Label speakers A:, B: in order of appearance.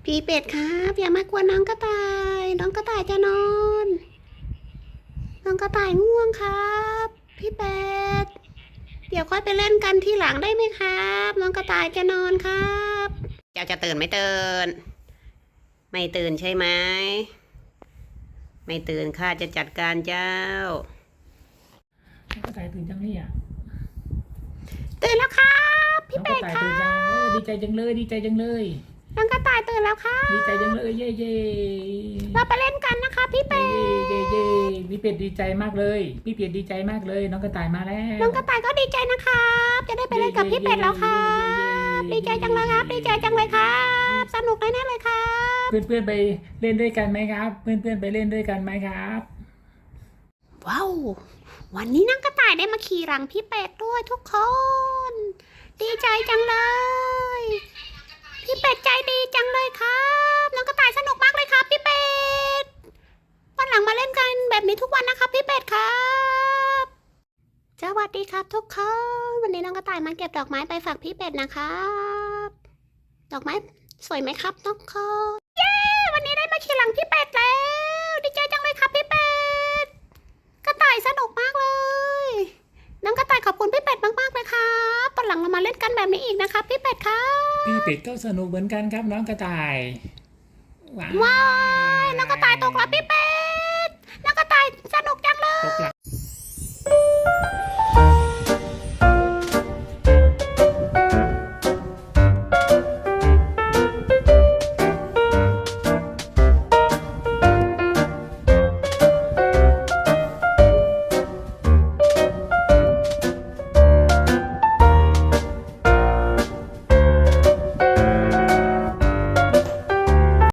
A: พี่เป็ดครับอย่ามากวนน้องกระต่ายน้องกระต่ายจะนอนน้องกระต่ายง่วงครับพี่เป็ดเดี๋ยวค่อยไปเล่นกันทีหลังได้ไหมครับน้องกระต่ายจะนอนครับเจ้าจะตื่นไม่ตื่นไม่ตื่นใช่ไหมไม่ตื่นข้าจะจัดการเจ้า
B: น้องกระต่ายตื่นจังเลยอ่ะ
A: ตื่นแล้วครับพี่
B: น้องก
A: เป็
B: ระ
A: ด
B: ต่าย
A: ครั
B: ตื่นจังดีใจจังเลยดีใจจังเลย
A: น้องกระต่ายตื่นแล้วครับ
B: ดีใจจังเลยเย่เย่
A: เราไปเล่นกันนะคะพี่เป็ด
B: เย่เย่พี่เป็ดดีใจมากเลยพี่เป็ดดีใจมากเลยน้องกระต่ายมาแล้ว
A: น้องกระต่ายก็ดีใจนะครับจะได้ไปเล่นกับพี่เป็ดแล้วครับดีใจจังเลยครับดีใจจังเลยครับสนุกแน่ๆเลยครับ
B: เพื่อนๆไปเล่นด้วยกันไหมครับเพื่อนๆไปเล่นด้วยกันไหมครับ
A: ว้าววันนี้น้องกระต่ายได้มาขี่หลังพี่เป็ดด้วยทุกคนดีใจจังเลยพี่เป็ดใจดีจังเลยครับน้องกระต่ายสนุกมากเลยครับพี่เป็ดวันหลังมาเล่นกันแบบนี้ทุกวันนะครับพี่เป็ดครับสวัสดีครับทุกคนวันนี้น้องกระต่ายมาเก็บดอกไม้ไปฝากพี่เป็ดนะครับดอกไม้สวยไหมครับทุกคนเย้วันนี้ได้มาขี่หลังพี่เป็ดแล้วดีใจจังเลยครับพี่เป็ดกระต่ายสนุกมากเลยน้องกระต่ายขอบคุณพี่เป็ดมากๆเลยครับวันหลังเรามาเล่นกันแบบนี้อีกนะครับพี่เป็ดครับ
B: พี่เป็ดก็สนุกเหมือนกันครับน้องกระต่าย
A: ว้ายน้องกระต่ายตกแล้วพี่เป็ดน้องกระต่ายสนุกจังเลย
B: ตกหลัง